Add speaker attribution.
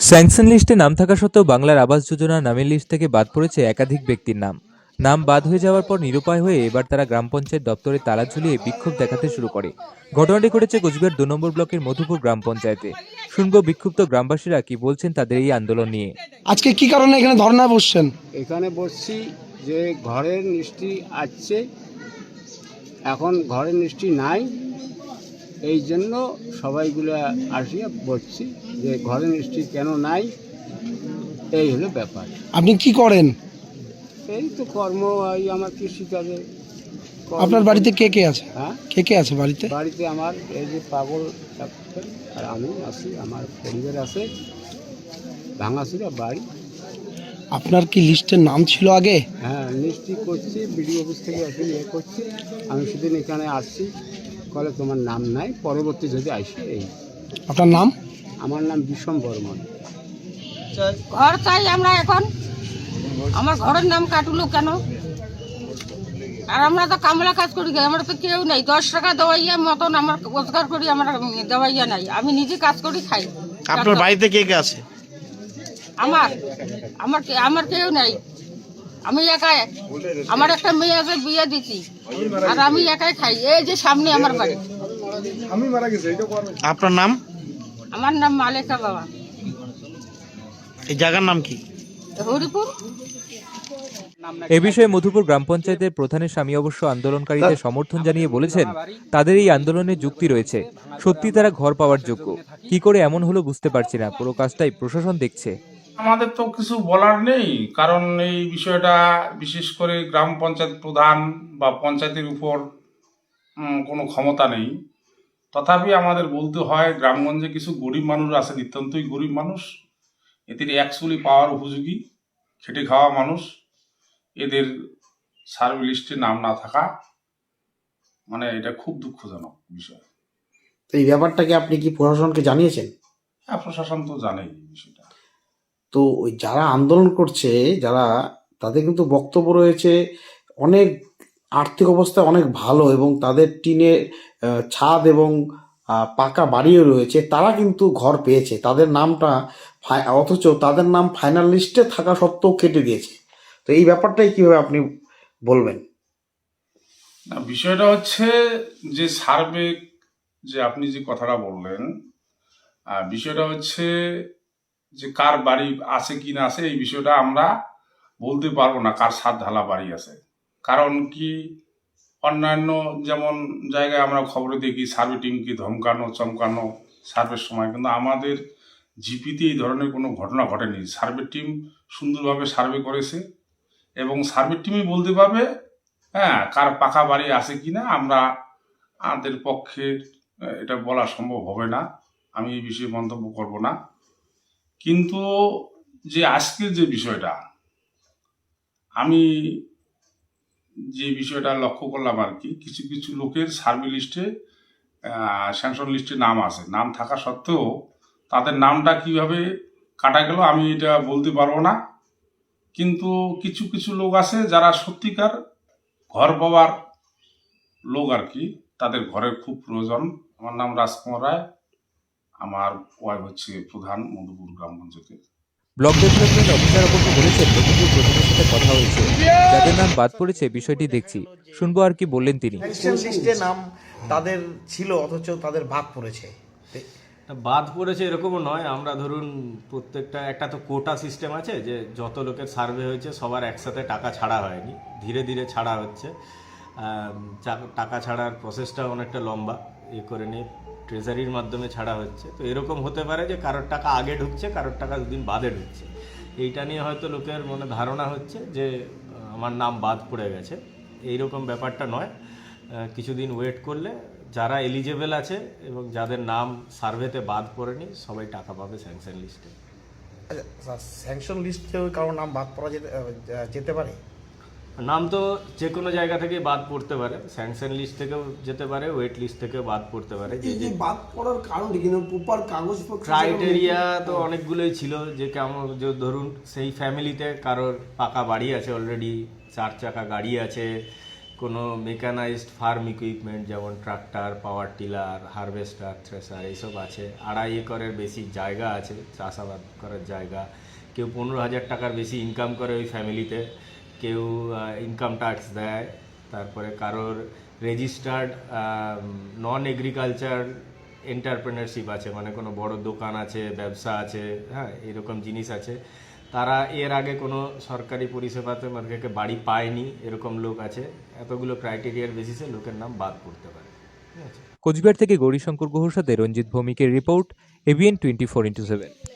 Speaker 1: Sanction লিস্টে নাম থাকা সত্ত্বেও বাংলার আবাস যোজনা নামের লিস্ট থেকে বাদ পড়েছে একাধিক ব্যক্তির নাম। নাম বাদ হয়ে যাওয়ার পর নিরুপায় হয়ে এবার তারা গ্রাম পঞ্চায়েত দপ্তরে তালা ঝুলিয়ে বিক্ষোভ দেখাতে শুরু করে। ঘটনাটি ঘটেছে কোচবিহার 2 নম্বর ব্লকের মধুপুর গ্রাম পঞ্চায়েতে। শুনবো বিক্ষুব্ধ গ্রামবাসীরা কি বলছেন তাদের এই আন্দোলন নিয়ে।
Speaker 2: আজকে কি কারণে এখানে ধর্ণায় বসছেন?
Speaker 3: এখানে বসছি যে ঘরের নিশ্চি আসছে, এখন ঘরের নিশ্চি নাই, এই জন্য সবাইগুলো আসিয়া বসছি যে ঘরের নিশ্চি কেন নাই, এই হলো ব্যাপার।
Speaker 2: আপনি কি করেন?
Speaker 3: এই তো কর্ম, এই আমার কৃষিকাজে।
Speaker 2: আপনার বাড়িতে কে কে আছে?
Speaker 3: হ্যাঁ,
Speaker 2: কে কে আছে বাড়িতে?
Speaker 3: বাড়িতে আমার এই যে পাগল ডাক্তার আর আমি আছি, আমার পরিবার আছে, ভাঙাচুরা বাড়ি।
Speaker 2: আপনার কি লিস্টের নাম ছিল আগে?
Speaker 3: হ্যাঁ, নিশ্চয়ই করছি, বিডিও অফিস থেকে আসলে করছি। আমি সেদিন এখানে আসছি, বলে তোমার নাম নাই, পরবর্তী যদি আসি। এই
Speaker 2: আপনার নাম?
Speaker 3: আমার নাম বিষম বর্মন।
Speaker 4: ঘর চাই আমরা এখন। আমার ঘরের নাম কাটলো কেন? আর আমরা তো কামলা কাজ করি, আমরা তো কেউ নেই। 10 টাকা দেওয়াইয়া মতন আমার রোজগার করি, আমার দেওয়াইয়া নাই। আমি নিজে কাজ করি খাই।
Speaker 5: আপনার বাড়িতে কে কে আছে?
Speaker 4: আমার আমার আমার কেউ নেই, আমি একাই। আমার একটা মেয়ে আছে, বিয়ে দিচ্ছি, আর আমি একাই খাই। এই যে সামনে আমার বাড়ি।
Speaker 5: আপনার নাম?
Speaker 4: আমার নাম মালেকা বাবা।
Speaker 5: এই জায়গার নাম কি?
Speaker 4: হরিপুর।
Speaker 1: এ বিষয়ে মধুপুর গ্রাম পঞ্চায়েতের প্রধানের স্বামী অবশ্য আন্দোলনকারীদের সমর্থন জানিয়ে বলেছেন তাদের এই আন্দোলনে যুক্তি রয়েছে। সত্যি তারা ঘর পাওয়ার যোগ্য। কি করে এমন হলো বুঝতে পারছি না, পুরো কাজটাই প্রশাসন দেখছে।
Speaker 6: আমাদের তো কিছু বলার নেই, কারণ এই বিষয়টা বিশেষ করে গ্রাম পঞ্চায়েত প্রধান বা পঞ্চায়েতের উপর কোনো ক্ষমতা নেই। তথাপি আমাদের বলতে হয়, গ্রামগঞ্জে কিছু গরিব মানুষ আছে, নিতান্তই গরিব মানুষ, এদের অ্যাকচুয়ালি পাওয়ার উপযোগী, খেটে খাওয়া মানুষ, এদের সার্ভে লিস্টে নাম না থাকা, মানে এটা খুব দুঃখজনক বিষয়।
Speaker 5: তো এই ব্যাপারটাকে আপনি কি প্রশাসনকে জানিয়েছেন?
Speaker 6: হ্যাঁ, প্রশাসন তো জানেই এই বিষয়টা।
Speaker 5: তো ওই যারা আন্দোলন করছে, যারা, তাদের কিন্তু বক্তব্য রয়েছে অনেক আর্থিক অবস্থা অনেক ভালো এবং তাদের টিনে ছাদ এবং পাকা বাড়িও রয়েছে, তারা কিন্তু ঘর পেয়েছে, তাদের নামটা অথচ তাদের নাম ফাইনাল লিস্টে থাকা সত্ত্বেও কেটে দিয়েছে। তো এই ব্যাপারটাই কিভাবে আপনি বলবেন?
Speaker 6: না, বিষয়টা হচ্ছে যে সার্ভে, যে আপনি যে কথাটা বললেন, বিষয়টা হচ্ছে যে কার বাড়ি আছে কি না আছে, এই বিষয়টা আমরা বলতে পারবো না কার ছাদ ঢালা বাড়ি আছে। কারণ কি, অন্যান্য যেমন জায়গায় আমরা খবরে দেখি সার্ভে টিমকে ধমকানো চমকানো সার্ভের সময়, কিন্তু আমাদের জিপিতে এই ধরনের কোনো ঘটনা ঘটেনি। সার্ভে টিম সুন্দরভাবে সার্ভে করেছে এবং সার্ভে টিমই বলতে পারবে হ্যাঁ কার পাকা বাড়ি আছে কিনা। আমাদের পক্ষে এটা বলা সম্ভব হবে না, আমি এই বিষয়ে মন্তব্য করব না। কিন্তু যে আজকের যে বিষয়টা, আমি যে বিষয়টা লক্ষ্য করলাম আর কি, কিছু কিছু লোকের সার্ভে লিস্টে স্যাংশন লিস্টে নাম আছে, নাম থাকা সত্ত্বেও তাদের নামটা কিভাবে কাটা গেল আমি এটা বলতে পারবো না। কিন্তু কিছু কিছু লোক আছে যারা সত্যিকার ঘর পাওয়ার লোক আর কি, তাদের ঘরের খুব প্রয়োজন। আমার নাম রাজকুমার রায়, আমার ওয়াইফ হচ্ছে প্রধান মধুপুর গ্রাম পঞ্চায়েতের।
Speaker 1: ব্লক ডেভেলপমেন্ট অফিসার অবশ্য বলেছেন মধুপুর প্রধানের সাথে কথা হয়েছে, যাদের নাম বাদ পড়েছে বিষয়টি দেখছি। শুনবো আর কি বললেন তিনি।
Speaker 5: লিস্টে নাম তাদের ছিল অথচ তাদের বাদ পড়েছে।
Speaker 7: বাদ পড়েছে এরকমও নয়। আমরা ধরুন প্রত্যেকটা, একটা তো কোটা সিস্টেম আছে যে যত লোকের সার্ভে হয়েছে সবার একসাথে টাকা ছাড়া হয়নি, ধীরে ধীরে ছাড়া হচ্ছে। টাকা ছাড়ার প্রসেসটা অনেকটা লম্বা, করে নিয়ে ট্রেজারির মাধ্যমে ছাড়া হচ্ছে। তো এরকম হতে পারে যে কারোর টাকা আগে ঢুকছে, কারোর টাকা দুদিন বাদে ঢুকছে। এইটা নিয়ে হয়তো লোকের মনে ধারণা হচ্ছে যে আমার নাম বাদ পড়ে গেছে। এইরকম ব্যাপারটা নয়। কিছুদিন ওয়েট করলে যারা এলিজেবল আছে এবং যাদের নাম সার্ভেতে বাদ পড়েনি সবাই টাকা পাবে স্যাংশন লিস্টে।
Speaker 5: স্যাংশন লিস্টেও কারোর নাম বাদ পড়া যেতে পারে?
Speaker 7: নাম তো যে কোনো জায়গা থেকে বাদ পড়তে পারে, স্যাংশন লিস্ট থেকেও যেতে পারে, ওয়েট লিস্ট থেকেও বাদ পড়তে পারে।
Speaker 2: যে বাদ পড়ার কারণ কি, প্রপার কাগজপত্র
Speaker 7: ক্রাইটেরিয়া তো অনেকগুলোই ছিল, যে কেমন, যে ধরুন সেই ফ্যামিলিতে কারোর পাকা বাড়ি আছে অলরেডি, 4 চাকা গাড়ি আছে, কোনো মেকানাইজড ফার্ম ইকুইপমেন্ট যেমন tractor, power tiller, harvester, thresher এইসব আছে। 2.5 একরের বেশি জায়গা আছে চাষাবাদ করার জায়গা। কেউ 15,000 টাকার বেশি ইনকাম করে ওই ফ্যামিলিতে, কেউ ইনকাম ট্যাক্স দেয়। তারপরে কারোর রেজিস্টার্ড নন এগ্রিকালচার এন্টারপ্রেনারশিপ আছে, মানে কোনো বড় দোকান আছে, ব্যবসা আছে, হ্যাঁ এরকম জিনিস আছে। তারা এর আগে কোনো সরকারি পরিষেবাতে মানে বাড়ি পায়নি, এরকম লোক আছে। এতগুলো ক্রাইটেরিয়ার বেসিসে লোকের নাম বাদ পড়তে পারে। ঠিক আছে।
Speaker 1: কোচবিহার থেকে গৌরীশঙ্কর গুহর সাথে রঞ্জিত ভৌমিকের রিপোর্ট, ABN 24x7।